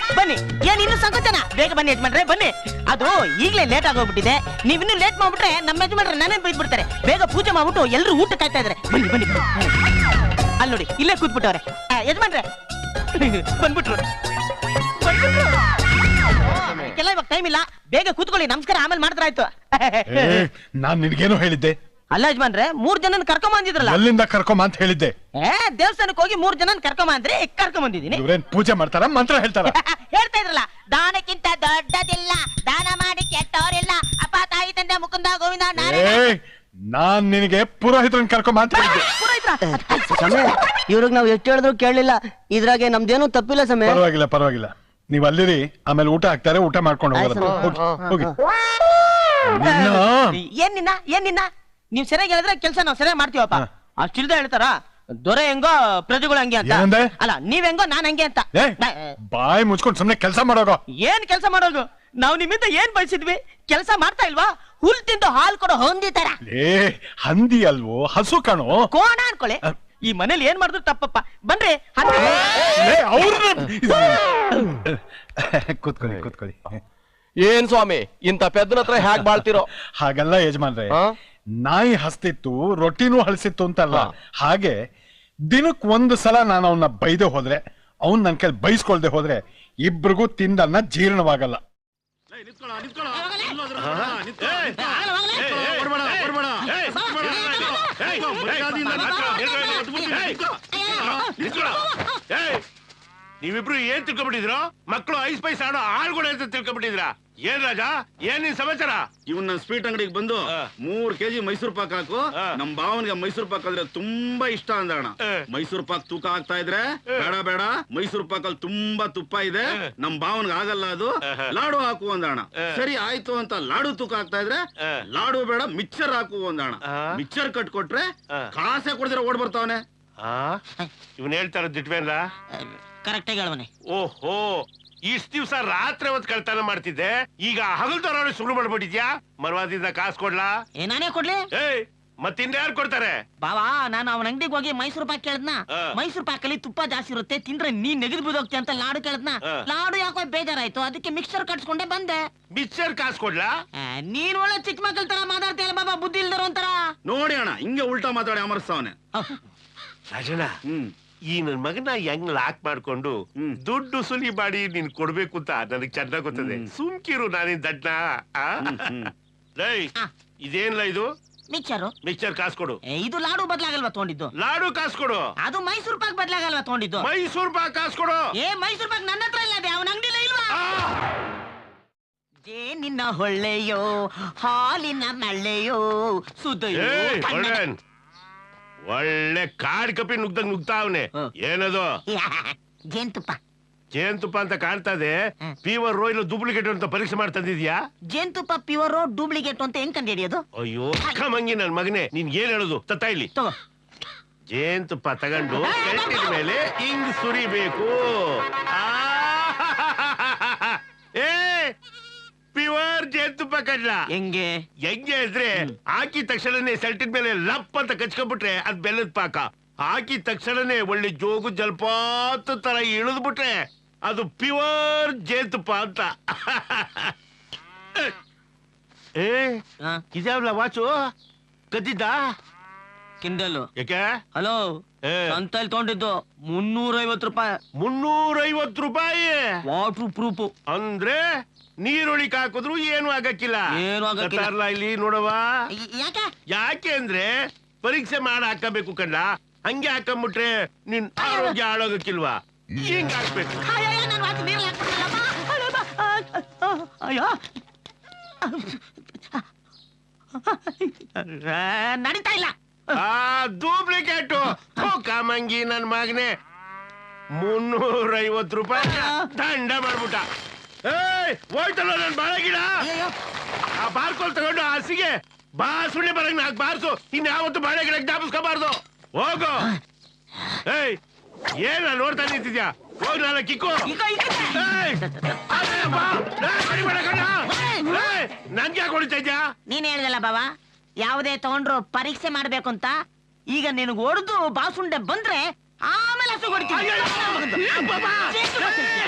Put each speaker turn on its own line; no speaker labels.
ಬನ್ನಿ. ಏನ್ ಇನ್ನು ಸಂಕೋಚನ? ಬೇಗ ಬನ್ನಿ ಯಜಮಾನ್ರೆ, ಬನ್ನಿ. ಅದು ಈಗಲೇ ಲೇಟ್ ಆಗೋಗ್ಬಿಟ್ಟಿದೆ. ನೀವ್ ಇನ್ನು ಲೇಟ್ ಮಾಡ್ಬಿಟ್ರೆ ನಮ್ಮ ಯಜಮಾನ್ರೆ ನನ್ನೇ ಬೈದ್ ಬಿಡ್ತಾರೆ. ಬೇಗ ಪೂಜೆ ಮಾಡ್ಬಿಟ್ಟು ಎಲ್ಲರೂ ಊಟ ಕಾಯ್ತಾ ಇದಾರೆ. ಬನ್ನಿ ಬನ್ನಿ. ಅಲ್ಲಿ ನೋಡಿ, ಇಲ್ಲೇ ಕೂತ್ಬಿಟ್ಟವ್ರೆ. ಯಜಮಾನ್ರೆ ಬಂದ್ಬಿಟ್ರು. ಕೆಲ ಇವಾಗ ಟೈಮ್ ಇಲ್ಲ, ಬೇಗ ಕೂತ್ಕೊಳ್ಳಿ. ನಮಸ್ಕಾರ ಆಮೇಲೆ ಮಾಡಿದ್ರಾಯ್ತು.
ನಾನ್ ನಿನ್ಗೇನು ಹೇಳಿದ್ದೆ?
ಅಲ್ಲ ಯಜಮಾನ್ರೆ, 3 ಜನನ ಕರ್ಕೊಂಡ್ ಬಂದಿದ್ರಲ್ಲ.
ಎಲ್ಲಿಂದ ಕರ್ಕೊಂಬ ಅಂತ ಹೇಳಿದ್ದೆ?
ದೇವಸ್ಥಾನಕ್ಕೆ ಹೋಗಿ 3 ಜನನ ಕರ್ಕೊಂಡ್ ಬಂದ್ರೆ ಕರ್ಕೊಂಡ್ ಬಂದಿದ್ದೀನಿ.
ಇವ್ರೇನ್ ಪೂಜೆ ಮಾಡ್ತಾರ, ಮಂತ್ರ ಹೇಳ್ತಾರ?
ಹೇಳ್ತಾ ಇದ್ರಲ್ಲ, ದಾನಕ್ಕಿಂತ ದೊಡ್ಡದಿಲ್ಲ, ದಾನ ಮಾಡಿ ಕೆಟ್ಟವರಿಲ್ಲ, ಅಪ್ಪ ತಾಯಿ ತಂದೆ ಮುಕುಂದ ಗೋವಿಂದ
ನಾನ್ ನಿನಗೆ ಪುರೋಹಿತ್ರನ್ ಕರ್ಕೊಂಬ ಅಂತ ಹೇಳಿದ್ದೆ.
ಸಮಯ ಇವ್ರಿಗೆ ನಾವ್ ಎಷ್ಟು ಹೇಳಿದ್ರು ಕೇಳಲಿಲ್ಲ. ಇದ್ರಾಗೆ ನಮ್ದೇನು ತಪ್ಪಿಲ್ಲ ಸಮಯ.
ಪರವಾಗಿಲ್ಲ ಪರವಾಗಿಲ್ಲ, ನೀವ್ ಅಲ್ಲಿರಿ. ಆಮೇಲೆ ಊಟ ಹಾಕ್ತಾರೆ, ಊಟ ಮಾಡ್ಕೊಂಡು ಹೋಗಿ.
ಏನ್ ನಿನ್ನ ನೀವ್ ಸರಿಯಾಗಿ ಹೇಳಿದ್ರೆ ಕೆಲ್ಸ ನಾವ್ ಸರಿಯಾಗಿ ಮಾಡ್ತೀವಪ್ಪ. ಅಷ್ಟಿಲ್ದ ಹೇಳ್ತಾರ ದೊರೆ ಹೆಂಗೋ ಪ್ರಜೆಗಳು ಹಂಗೆ ಅಂತ. ಅಲ್ಲ, ನೀವ್ ಹೆಂಗೋ ನಾನ್ ಹಂಗೆ ಅಂತ.
ಬಾಯ್ ಮುಚ್ಕೊಂಡು ಸುಮ್ನೆ ಕೆಲ್ಸ ಮಾಡೋಗೋ.
ಏನ್ ಕೆಲ್ಸ ಮಾಡೋದು? ನಾವ್ ನಿಮ್ಮಿಂದ ಏನ್ ಬಯಸಿದ್ವಿ? ಕೆಲ್ಸ ಮಾಡ್ತಾ ಇಲ್ವಾ? ಹುಲ್ ತಿಂದು ಹಾಲ್ ಕೊಡೋ ಹೊಂದಿತಾರ.
ಹಂದಿ ಅಲ್ವೋ, ಹಸು ಕಾಣೋ.
ಕೋಣ ಅನ್ಕೊಳ್ಳಿ. ಈ ಮನೇಲಿ ಏನ್ ಮಾಡಿದ್ರು ತಪ್ಪಪ್ಪ. ಬನ್ರಿ
ಕೂತ್ಕೊಳ್ಳಿ ಕೂತ್ಕೊಳ್ಳಿ.
ಏನ್ ಸ್ವಾಮಿ ಇಂತ ಪೆದ್ದನ ಹತ್ರ ಹ್ಯಾಕ್ ಬಾಳ್ತಿರೋ?
ಹಾಗಲ್ಲ ಯಜಮಾನ್ರೆ, ನಾಯಿ ಹಸ್ತಿತ್ತು, ರೊಟ್ಟಿನೂ ಹಳಸಿತ್ತು ಅಂತಲ್ಲ. ಹಾಗೆ ದಿನಕ್ 1 ಸಲ ನಾನು ಅವನ್ನ ಬೈದೆ ಹೋದ್ರೆ, ಅವ್ನ್ ನನ್ ಕೈ ಬೈಸ್ಕೊಳ್ದೆ ಹೋದ್ರೆ ಇಬ್ರಿಗೂ ತಿಂದನ್ನ ಜೀರ್ಣವಾಗಲ್ಲ.
ನೀವಿಬ್ರು ಏನ್ ತಿಳ್ಕೊಂಡ್ಬಿಟ್ಟಿದ್ರು? ಮಕ್ಕಳು ಐಸ್ ಪೈಸ್ ಆಡೋ ಆಳ್ಗಳು ಅಂತ ತಿಳ್ಕೊಂಡ್ಬಿಟ್ಟಿದ್ರ? ಏನ್ ರಾಜ, ಏನ್ ನಿನ್ ಸಮಾಚಾರ?
ಇವನ್ ನನ್ ಸ್ವೀಟ್ ಅಂಗಡಿಗೆ ಬಂದು 3 kg ಮೈಸೂರು ಪಾಕ್ ಹಾಕು, ನಮ್ ಭಾವನ್ಗೆ ಮೈಸೂರು ಪಾಕ್ ಅಂದ್ರೆ ತುಂಬಾ ಇಷ್ಟ ಅಂದಣ. ಮೈಸೂರು ಪಾಕ್ ತೂಕ ಆಗ್ತಾ ಇದ್ರೆ ಬೇಡ ಬೇಡ, ಮೈಸೂರು ಪಾಕ್ ಅಲ್ಲಿ ತುಂಬಾ ತುಪ್ಪ ಇದೆ, ನಮ್ ಭಾವನ್ಗೆ ಆಗಲ್ಲ, ಅದು ಲಾಡು ಹಾಕು ಅಂದಣ. ಸರಿ ಆಯ್ತು ಅಂತ ಲಾಡು ತೂಕ ಆಗ್ತಾ ಇದ್ರೆ ಲಾಡು ಬೇಡ ಮಿಕ್ಸರ್ ಹಾಕು ಅಂದಣ. ಮಿಕ್ಸರ್ ಕಟ್ಕೊಟ್ರೆ ಕಾಸೆ ಕೊಡ್ದಿರ ಓಡ್ ಬರ್ತಾವನೆ.
ಇವನ್ ಹೇಳ್ತಾರ ದಿಟ್ವೇನ್ಲ?
ಕರೆಕ್ಟ್ ಆಗಿ ಹೇಳವನೆ.
ಓಹೋ, ಇಷ್ಟ ದಿವ್ಸ ರಾತ್ರಿ ಹೊತ್ತು ಕಳ್ತನ ಮಾಡ್ತಿದ್ದೆ, ಈಗ ಹಗಲ್ದವ್ರ ಶುರು ಮಾಡ್ಬಿಟ್ಟಿದ್ಯಾ? ಮರವಾದಿಂದ ಕಾಸು ಕೊಡ್ಲಾ?
ನಾನೇ ಕೊಡ್ಲಿ?
ಮತ್ತಿಂದ ಯಾರು ಕೊಡ್ತಾರೆ?
ಬಾವಾ, ನಾನು ಅವನ ಅಂಗಡಿಗೆ ಹೋಗಿ ಮೈಸೂರು ಪಾಕ್ ಕೇಳದ್ನ. ಮೈಸೂರು ಪಾಕ್ ಅಲ್ಲಿ ತುಪ್ಪ ಜಾಸ್ತಿ ಇರುತ್ತೆ, ತಿಂದ್ರೆ ನೀನ್ ನೆಗದು ಬಿದ್ದೋಗ್ತಿ ಅಂತ ಲಾಡು ಕೇಳದ್ನ. ಲಾಡು ಯಾಕೋ ಬೇಜಾರಾಯ್ತು, ಅದಕ್ಕೆ ಮಿಕ್ಸರ್ ಕಟ್ಸ್ಕೊಂಡೆ ಬಂದೆ.
ಮಿಕ್ಸರ್ ಕಾಸು ಕೊಡ್ಲಾ?
ನೀನ್ ಒಳ್ಳೆ ಚಿಕ್ಕ ಮಕ್ಕಳ ತರ ಮಾತಾಡ್ತೀಯಲ್ಲ ಬಾಬಾ, ಬುದ್ಧಿ ಇಲ್ದಾರ ಒಂಥರ.
ನೋಡಿ ಅಣ್ಣ, ಹಿಂಗೆ ಉಲ್ಟಾ ಮಾತಾಡಿ ಅಮರ್ಸ್ತಾವನೆ.
ರಾಜಣ್ಣ, ಈ ನನ್ ಮಗನ ಹೆಂಗ್ ಲಾಕ್ ಮಾಡ್ಕೊಂಡು ದುಡ್ಡು ಸುಲಿ ಮಾಡಿ ನೀನ್ ಕೊಡ್ಬೇಕು ಅಂತ ನನಗ್ ಚೆನ್ನಾಗ್ ಗೊತ್ತದೆ. ಸುಮ್ಕಿರು, ನಾನಿನ್ ದಡ್ನ. ಇದೇನ್ಲ ಇದು? ಮಿಕ್ಸರ್ ಕಾಸು ಕೊಡು.
ಇದು ಲಾಡು ಬದ್ಲಾಗಲ್ವಾ ತಗೊಂಡಿದ್ದು?
ಲಾಡು ಕಾಸು ಕೊಡು.
ಅದು ಮೈಸೂರು ಪಾಕ್ ಬದ್ಲಾಗಲ್ವಾ ತಗೊಂಡಿದ್ದು?
ಮೈಸೂರು ಪಾಕ್ ಕಾಸು ಕೊಡು.
ಮೈಸೂರು ಪಾಕ್ ನನ್ನ ಹತ್ರ ಇಲ್ಲ, ಅವನ ಅಂಗಡಿಲೇ ಇಲ್ವಾ? ನಿನ್ನ ಹೊಳ್ಳೆಯೋ ಹಾಲಿನ ಮಳ್ಳೆಯೋ ಸುದಯೋ.
ಒಳ್ಳೆ ಕಾಡ್ ಕಪಿ ನುಗ್ದಂಗ್ ನುಗ್ತಾವನೆ. ಏನದು?
ಜೇನ್ತುಪ್ಪ.
ಜೇನ್ತುಪ್ಪ ಅಂತ ಕಾಣ್ತಾ ಇದೆ. ಪ್ಯೂರ್ ಇಲ್ಲ ಡೂಪ್ಲಿಕೇಟ್ ಅಂತ ಪರೀಕ್ಷೆ ಮಾಡ್ತಿದ್ಯಾ?
ಜೇನ್ತುಪ್ಪ ಪ್ಯೂರ್ ಡೂಪ್ಲಿಕೇಟ್ ಅಂತ ಹೆಂಗ್ ಕಂಡು ಹಿಡಿಯೋದು?
ಅಯ್ಯೋ ಮಂಗಿ ನನ್ ಮಗನೇ, ನೀನ್ ಏನ್ ಹೇಳುದು? ತತ್ತ ಇಲ್ಲಿ ಜೇನ್ತುಪ್ಪ ತಗೊಂಡು ಮೇಲೆ ಹಿಂಗ್ ಸುರಿಬೇಕು. ಪ್ಯೂರ್ ಜೇನ್ತುಪ್ಪ ಕಡ್ಲ.
ಹೆಂಗೆ
ಇದ್ರೆ ಹಾಕಿದ ತಕ್ಷಣನೇ ಸೆಲ್ಟಿನ ಮೇಲೆ ಲಪ್ ಅಂತ ಕಚ್ಕೊಂಡ್ಬಿಟ್ರೆ ಅದ್ ಬೆಲ್ಲದ ಪಾಕ. ಹಾಕಿದ ತಕ್ಷಣನೇ ಒಳ್ಳೆ ಜೋಗು ಜಲಪಾತ ತರ ಇಳಿದ್ಬಿಟ್ರೆ ಅದು ಪ್ಯೂರ್ ಜೇನ್ತುಪ್ಪ ಅಂತ. ಇದ್ಯಾವಲ್ಲ ವಾಚು ಕದ್ದಿದ್ದ?
ಕಿಂಡಲ್.
ಯಾಕೆ?
ಹಲೋ, ಅಂತಲ್ಲಿ ತಗೊಂಡಿದ್ದು 350 ರೂಪಾಯಿ.
350 ರೂಪಾಯಿ
ವಾಟರ್ ಪ್ರೂಫ್.
ಅಂದ್ರೆ ನೀರುಳಿಕ್ ಹಾಕಿದ್ರು ಏನು ಆಗಕ್ಕಿಲ್ಲ. ಇಲ್ಲಿ ನೋಡವ. ಯಾಕೆ ಅಂದ್ರೆ ಪರೀಕ್ಷೆ ಮಾಡಿ ಹಾಕಬೇಕು ಕಣ್ಣ. ಹಂಗೆ ಹಾಕೊಂಡ್ಬಿಟ್ರೆ ನಿನ್ ಆರೋಗ್ಯ ಹಾಳಾಗಕ್ಕಿಲ್ವಾ? ಹಿಂಗ್ ಹಾಕ್ಬೇಕು.
ನಡೀತಾ ಇಲ್ಲ.
ಡೂಪ್ಲಿಕೇಟು ಕಾಮಂಗಿ ನನ್ ಮಗನೆ. 350 ರೂಪಾಯಿ ದಂಡ ಮಾಡ್ಬಿಟ್ಟ. ಹೋಯ್ತಲ್ಲ ನನ್ ಬಾಳ ಗಿಡ. ಆ ಬಾರ್ಕೋಲ್ ತಗೊಂಡು ಹಸಿಗೆ ಬಾಸುಳ್ಳಿ ಬರಂಗ್ ನಾಕ್ ಬಾರ್ಸು. ಇನ್ಯಾವತ್ತು ಬಾಳೆ ಗಿಡ ಜ್ಞಾಪಿಸ್ಕೋಬಾರ್ದು. ಹೋಗು. ಏನ ನೋಡ್ತಾ ನಿಂತಿದ್ಯಾ? ಹೋಗ್ ನಾನು ಕಿಕ್ಕು. ನನ್ಗೆ ಯಾಕೆ ಹೊಡಿತಾ ಇದ್ಯಾ?
ನೀನ್ ಹೇಳ್ದಲ್ಲ ಬಾಬಾ, ಯಾವುದೇ ತಗೊಂಡ್ರು ಪರೀಕ್ಷೆ ಮಾಡ್ಬೇಕು ಅಂತ. ಈಗ ನಿನಗೆ ಹೊಡೆದು ಬಾಸುಂಡೆ ಬಂದ್ರೆ ಆಮೇಲೆ ಹಸು ಹೊಡಿತೀನಿ.